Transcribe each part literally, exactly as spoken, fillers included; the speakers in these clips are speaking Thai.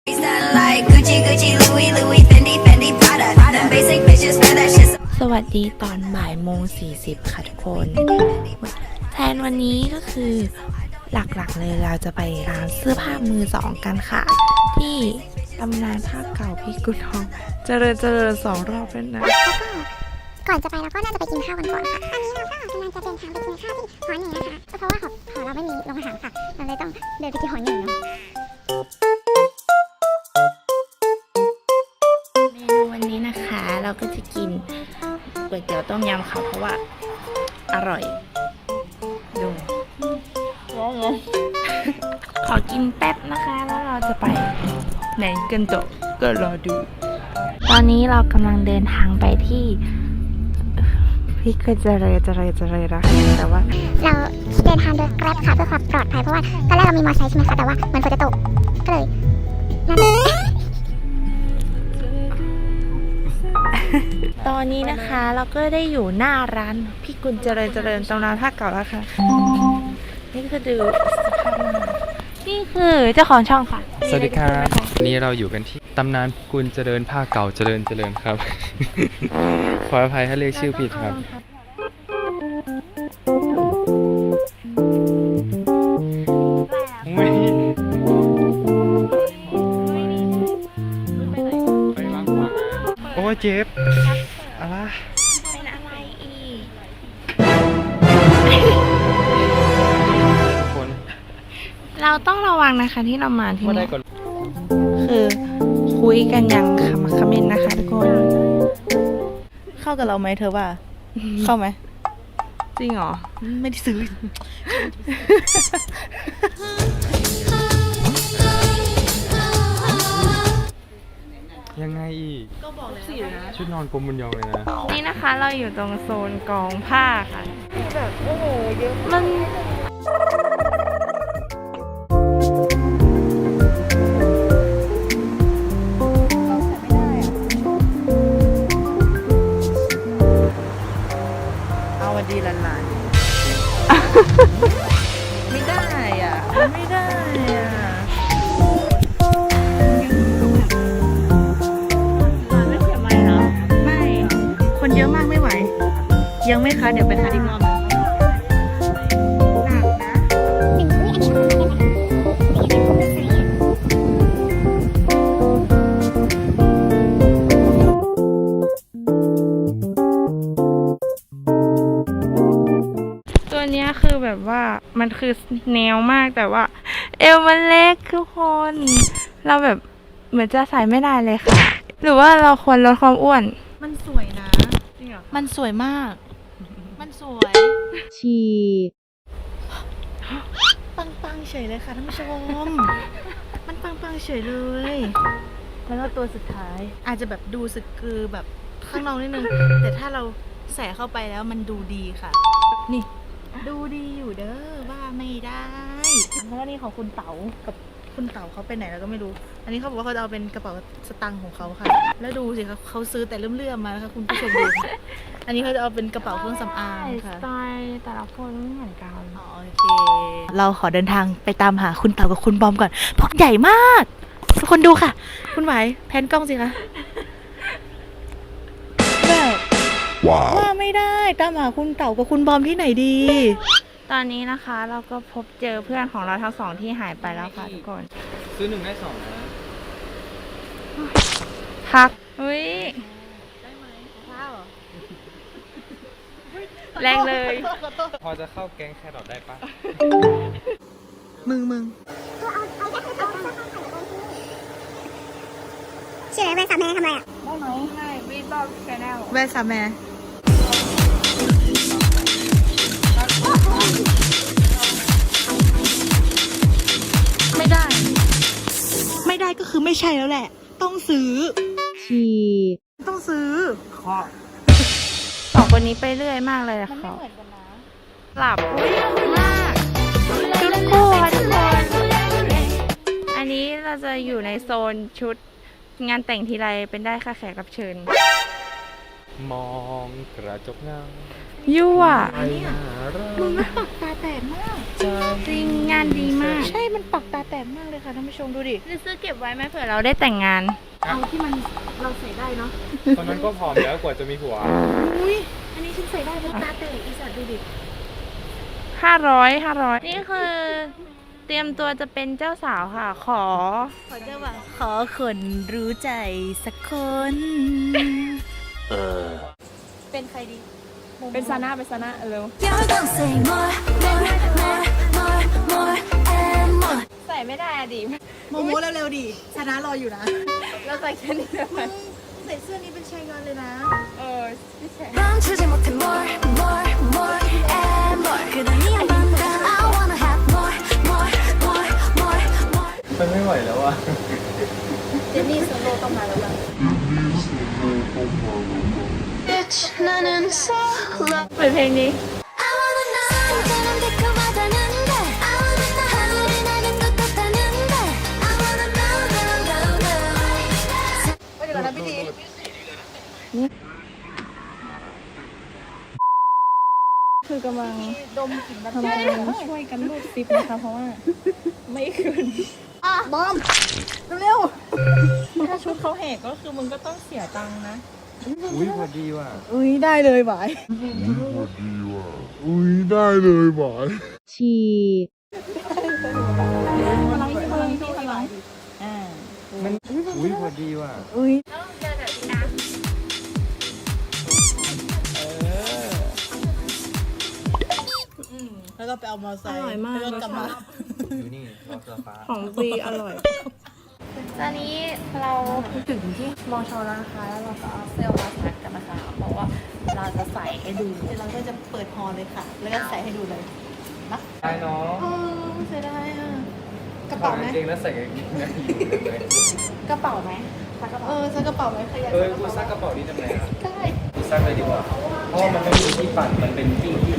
สวัสดีตอนบ่ายโมงสี่สิบค่ะทุกคนแทนวันนี้ก็คือหลักๆเลยเราจะไปร้านเสื้อผ้ามือสองกันค่ะ ที่ตำนานผ้าเก่าพี่กุฎทองเจริญเจริญสองรอบแล้วนะก่อนจะไปเราก็น่าจะไปกินข้าวกันก่อนค่ะตอนนี้เราก็กำลังจะเดินทางไปกินข้าวที่หอหนึ่งนะคะเพราะว่าหอหอเราไม่มีโรงอาหารค่ะเราเลยต้องเดินไปที่หอหนึ่งเนาะเมนูวันนี้นะคะเราก็จะกินก๋วยเตี๋ยวต้มยำค่ะเพราะว่าอร่อยดูขอกินแป๊บนะคะแล้วเราจะไปไหนกันต่อก็รอดูตอนนี้เรากำลังเดินทางไปที่พี่ก็จะเลยจะเลยจะเลยนะแต่ว่าเราเดินทางโดยแกร็บค่ะเพื่อความปลอดภัยเพราะว่าตอนแรกเรามีมอเตอร์ไซค์ใช่ไหมคะแต่ว่ามันฝนจะตกก็เลยนั่นตอนนี้นะคะเราก็ได้อยู่หน้าร้านพี่กุลเจริญเจริญตำนานผ้าเก่าแล้วค่ะนี่คือดูสภาพนี่คือเจ้าของช่องค่ะสวัสดีครับวันนี้เราอยู่กันที่ตำนานกุลเจริญผ้าเก่าเจริญเจริญครับ ขออภัยถ้าเรียกชื่อผิดครับไม่โอ้เจ็บอะไรเป็นอะไรอีกคนเราต้องระวังนะคะที่เรามาที่นี่คือคุยกันอย่างขมักเขม้นนะคะทุกคนเข้ากับเราไหมเธอว่า เข้าไหมจริงเหรอไม่ได้ซื้อยังไงอีกก็บอกแล้วชุดนอนกลมบุญยองเลยนะนี่นะคะเราอยู่ตรงโซนกองผ้าค่ะแบบโอ้โหเยอะมันดีหลานๆไม่ได้อ่ะไม่ได้อ่ะไม่เขียนไม่เนาะไม่คนเยอะมากไม่ไหวยังไม่คะเดี๋ยวไปทานอีกรอบหนักนะหนึ่งอุ้ยอันนี้เราเป็นอะไรเดี๋ยวเป็นไซส์ตัวเนี้ยคือแบบว่ามันคือแนวมากแต่ว่าเอวมันเล็กทุกคนเราแบบเหมือนจะใส่ไม่ได้เลยค่ะหรือว่าเราควรลดความอ้วนมันสวยนะจริงเหรอมันสวยมากมันสวยฉีกปังๆเฉยเลยค่ะท่านผู้ชมมันปังๆเฉยเลยแล้วก็ตัวสุดท้ายอาจจะแบบดูสึกคือแบบข้างนอกนิดนึงแต่ถ้าเราใส่เข้าไปแล้วมันดูดีค่ะนี่ดูดีอยู่เด้อว่าไม่ได้แล้วนี่ของคุณเต๋ากับคุณเต๋าเขาไปไหนแล้วก็ไม่รู้อันนี้เขาบอกว่าเขาจะเอาเป็นกระเป๋าสตางค์ของเขาค่ะแล้วดูสิคะเขาซื้อแต่เลื่อมๆมานะคะคุณผู้ชมดูอันนี้เขาจะเอาเป็นกระเป๋าเครื่องสำอางค่ะสไตล์แต่ละคนไม่เหมือนกันอ๋อโอเคเราขอเดินทางไปตามหาคุณเต๋ากับคุณบอมก่อนพวกใหญ่มากทุกคนดูค่ะคุณไหวแพนกล้องสิคะแบบว่าไม่ได้ตามหาคุณเต๋ากับคุณบอมที่ไหนดีตอนนี้นะคะเราก็พบเจอเพื่อนของเราทั้งสองที่หายไปแล้วค่ะทุกคนซื้อหนึ่งได้สองนะพักอุ้ยได้ไหมข้าวแรงเลยพอจะเข้าแก๊งแครอทได้ปะมึงมึงชื่ออะไรแว่นสามแม่ทำอะไรอ่ะได้ไหมไม่วีบอลแชนแนลแว่นสามแม่ไม่ได้ไม่ได้ก็คือไม่ใช่แล้วแหละต้องซื้อฉีกต้องซื้อขอสองคนนี้ไปเรื่อยมากเลยอะค่ะหลับอุ้ยมากชุดคู่ค่ะทุกคนอันนี้เราจะอยู่ในโซนชุดงานแต่งทีไรเป็นได้ค่ะแขกรับเชิญมองกระจกเงายั่วมึงไม่ปากตาแตกมากจริงงานดีมากใช่ มันปักตาแตกมากเลยค่ะท่านผู้ชมดูดิจะซื้อเก็บไว้ไหมเผื่อเราได้แต่งงานเอาที่มันเราใส่ได้เนาะตอนนั้นก็ผอมแล้วกว่าจะมีผัวอุ้ย อันนี้ฉันใส่ได้เพราะตาแตกอีสัตว์ดูดิห้าร้อยห้าร้อยนี่คือ เตรียมตัวจะเป็นเจ้าสาวค่ะ ขอขอเจ้าบ่าวขอคนรู้ใจสักคน เป็นใครดีเป็นซาน่าเป็นซาน่าเร็ว You're gonna say more, more, more, more, more and more. ใส่ไม่ได้อะดิโมโมเร็วๆดิชนะรออยู่นะเราใส่แค่นี้ได้ไหมใส่เสื้อนี้เป็นชายงอนเลยนะเออพี่แชร์ 멈추지 못해 more, more, more and more. 그대 네만 다 I wanna have more, more, more, more, more. มันไม่ไหวแล้วอ่ะเจนนี่โซโล่ต้องมาแล้วล่ะ Bitch 나는 solo. เปิดเพลงนี้ I wanna know. 상태는 달콤하다는데. I wanna know. 하늘이 나를 또 떴다는데. I wanna know, know, know, know. ไปเดี๋ยวก่อนนะพี่ดีคือกำลังดมกลิ่นแบบกำลังช่วยกันรูดซิปนะคะ เพราะว่าไม่คืนบอมเร็วถ้าชุดเขาแหกก็คือมึงก็ต้องเสียตังค์นะอุ้ยพอดีว่ะๆอุ้ยได้เลยหวายฉีกพลังพลังที่พลังอ่ามันอุ้ยพอดีว่ะอุ้ยแล้วก็ไปเอามอไซค์อร่อยมากแล้วก็กลับมาอยู่นี่รอเสื้อฟ้าของฟรีอร่อยตอนนี้เราถึงที่มอชอแล้วนะคะ แล้วเราก็เอาเสื้อมาซักกันนะคะ เพราะว่าเราจะใส่ให้ดูเดี๋ยวเราก็จะเปิดฮอเลยค่ะ แล้วก็ใส่ให้ดูเลยได้เนาะเออเสียดายอ่ะ กระเป๋าไหมถอดกงเกงแล้วใส่กางเกงในอยู่เลยกระเป๋าไหมซักกระเอเป๋าอซักกระเป๋าไหมขยันเออกูซักกระเป๋านี้ทำไมอ่ะได้กูซักเลยดีกว่า เพราะว่ามันไม่มีที่ปั่น มันเป็นปิ้งที่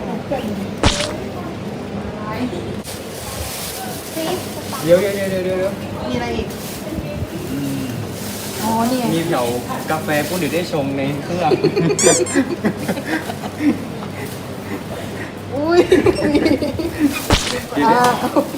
เดี๋ยวเดี๋ยวเดี๋ยวเดี๋ยวเดี๋ยวมีอะไรอีก อ๋อนี่ไงมีแถวกาแฟพวกเดี๋ยวได้ชงในเครื่องอุ้ยเดี๋ยวได้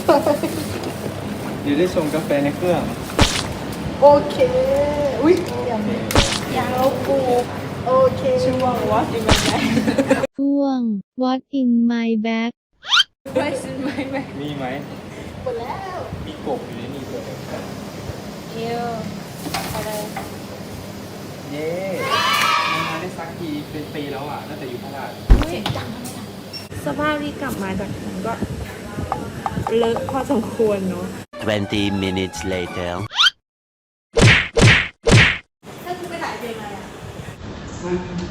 เดี๋ยวได้ชงกาแฟในเครื่องโอเค อุ้ยยังยาวปูโอเคช่วงวะยังไงช่วง What in my bag มีไหมหมดแล้วมีกบอยู่ในนี่ด้วยเอวอะไรเย้มันมาได้สักทีเป็นปีแล้วอ่ะตั้งแต่อยู่พระราชสภาพที่กลับมาจากนั้นก็เลอะพอสมควรเนาะ twenty minutes later. ถ้าคุณไปถ่ายเพลงอะไรอ่ะ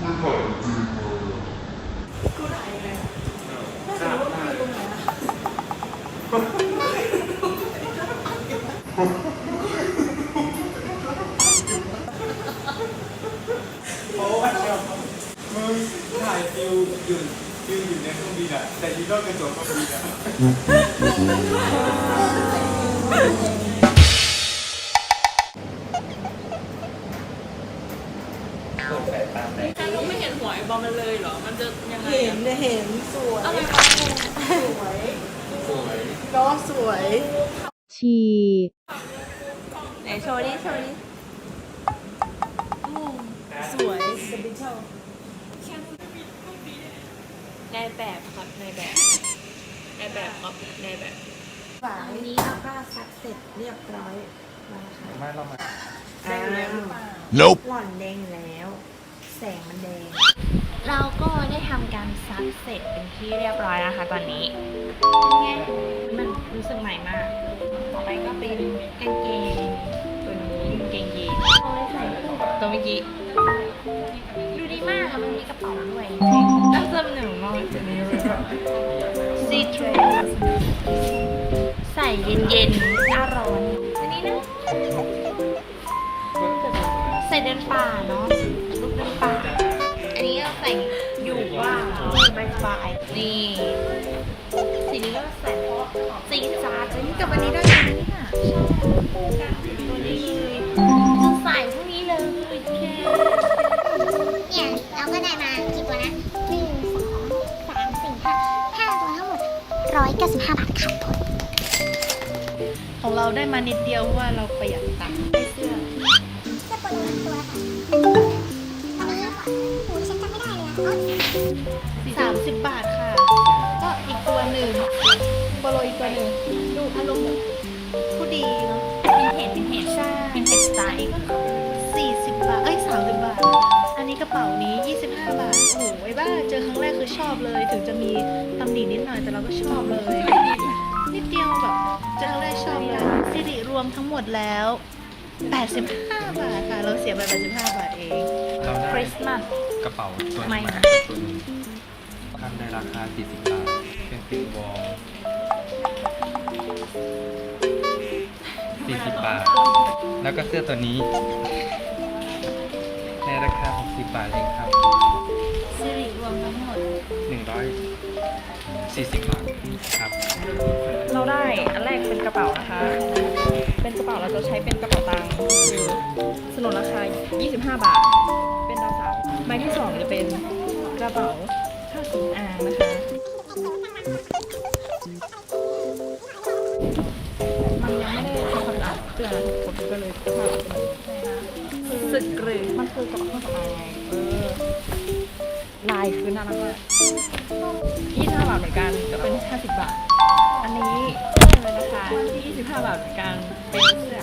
มึงถ่ายฟิวยืนยืนอยู่ในเครื่องบินอ่ะแต่ยีนอกกระจกเครื่องบินอ่ะ เปิดแปดตามไหนไม่เห็นหัวไอ้บอมมันเลยเหรอ มันจะยังไงเห็นเนี่ยเห็นสวยอะไรสวยสวยก็สวยฉีกไหนโชว์ดิโชว์ดิสวยสปิเชียลในแบบครับในแบบในแบบครับในแบบฝาวันนี้เราก็ซักเสร็จเรียบร้อยแล้วนะคะไม่เรามาได้แล้ว Nope. หล่อนแดงอยู่แล้ว แสงมันแดง เราก็ได้ทำการซักเสร็จเป็นที่เรียบร้อยนะคะตอนนี้ไงมันรู้สึกใหม่มาก ต่อไปก็เป็นกางเกงตัวนี้กางเกงยีนส์เอาไว้ใส่คู่กับตัวเมื่อกี้ดูดีมากอะมันมีกระเป๋าด้วยตั้งเสื้อหนึ่งมากจะมีซีทรูใส่เย็นๆหน้าร้อนอันนี้นะ ใส่เดินป่าเนาะลูกเดินป่า อันนี้ก็ใส่อยู่ว่างสบายสบายๆนี่ สีนี้ก็ใส่เพราะสีจ้าดนี่กับวันนี้ได้ไหมเนี่ยชอบคู่กันตัวนี้เลยจะใส่พวกนี้เลยแค่เนี่ยเราก็ได้มากี่ตัวนะหนึ่งสองสามสี่ห้าห้าตัวทั้งหมดร้อยเก้าสิบห้าบาทเราได้มานิดเดียวเพราะว่าเราประหยัดตังค์ได้เสื้อเสื้อโปโลตัวละค่ะอันนี้โอ้ยฉันจำไม่ได้เลยอะอ๋อสามสิบบาทค่ะ ก็อีกตัวหนึ่งโปโลอีกตัวหนึ่งดูอารมณ์แบบผู้ดีเนาะวินเทจวินเทจใช่วินเทจสไตล์สี่สิบบาท เอ้ยสามสิบบาท อันนี้กระเป๋านี้ยี่สิบห้าบาท โอ้โหไอ้บ้าเจอครั้งแรกคือชอบเลย ถึงจะมีตำหนินิดหน่อยแต่เราก็ชอบเลย นิดเดียวแบบเจอครั้งแรกชอบเลยสิริรวมทั้งหมดแล้วแปดสิบห้าบาทค่ะ เราเสียไปแปดสิบห้าบาทเองเราได้คริสต์มาสกระเป๋าตัวไม่นี้มาตัวหนึงทำในราคาสี่สิบบาทเป็นฟิลวอลสี่สิบบาท แล้วก็เสื้อตัวนี้ ในราคาหกสิบบาทเองครับสิริรวมทั้งหมดหนึ่งร้อยสี่สิบบาทครับเราได้อันแรกเป็นกระเป๋านะคะ เป็นกระเป๋าเราจะใช้เป็นกระเป๋าตังค์คือสนุนราคา ยี่สิบห้า บาท เป็นดาวสามใบที่สองจะเป็นกระเป๋าผ้าสำอางนะคะ มันยังไม่ได้ทำความสะอาดเสื้อนะทุกคนก็เลยสภาพเป็นแบบนี้สึกหรือมันคือกระเป๋าเครื่องสำอางไงเออลายคือน่ารักมากยี่สิบห้าบาทเหมือนกันจะเป็นห้าสิบบาท อันนี้เลยนะคะที่ยี่สิบห้าบาทเหมือนกันเป็นเสื้อ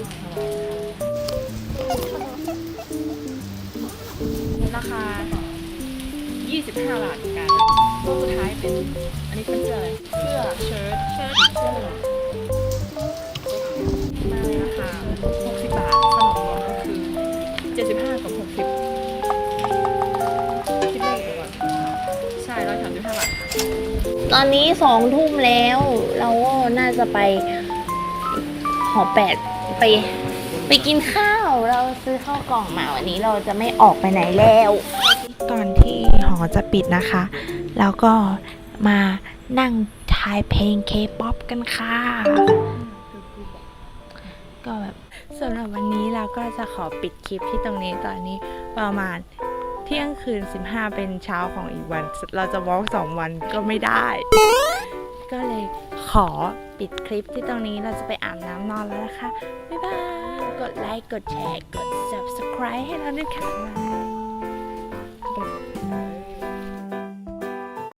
ราคายี่สิบห้าบาทเหมือนกันตัวสุดท้ายเป็นอันนี้เป็นเสื้ออะไรเสื้อเชิ้ตเชิ้ตเชิ้ตมาในราคาหกสิบบาทสนุนรวมก็คือเจ็ดสิบห้ากับหกสิบคิดเลขเดี๋ยวก่อนใช่ร้อยสามสิบห้าบาทตอนนี้สองทุ่มแล้ว เราก็น่าจะไปหอแปดไปไปกินข้าว เราซื้อข้าวกล่องมาวันนี้เราจะไม่ออกไปไหนแล้ว ก่อนที่หอจะปิดนะคะ แล้วก็มานั่งทายเพลงเคป๊อปกันค่ะ ก็แบบสำหรับวันนี้เราก็จะขอปิดคลิปที่ตรงนี้ตอนนี้ประมาณเที่ยงคืนสิบห้าเป็นเช้าของอีกวัน เราจะวอล์กสองวันก็ไม่ได้ ก็เลยขอปิดคลิปที่ตรงนี้เราจะไปอาบน้ำนอนแล้วนะคะ บ๊ายบาย กดไลค์ กดแชร์ กด ซับสไครบ์ ให้เราด้วยค่ะ